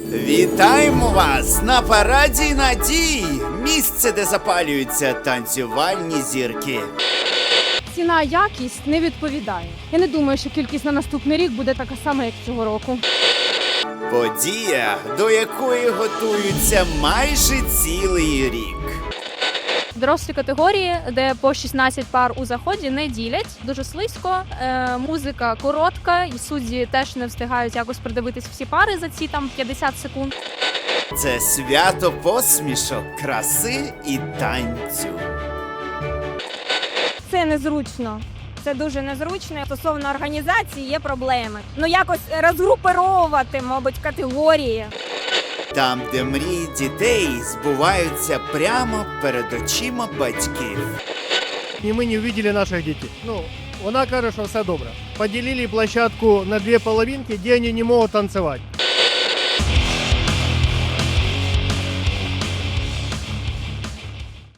Вітаємо вас на параді надій! Місце, де запалюються танцювальні зірки. Ціна-якість не відповідає. Я не думаю, що кількість на наступний рік буде така сама, як цього року. Подія, до якої готуються майже цілий рік. Дорослі категорії, де по 16 пар у заході, не ділять. Дуже слизько, музика коротка, і судді теж не встигають якось придивитись всі пари за ці там 50 секунд. Це свято посмішок, краси і танцю. Це незручно. Це дуже незручно. Стосовно організації є проблеми. Якось розгруповувати, мабуть, категорії. Там, де мрії дітей збуваються прямо перед очима батьків. И мы не увидели наших детей. Вона каже, що все добре. Поделили площадку на две половинки, где они не могут танцевать.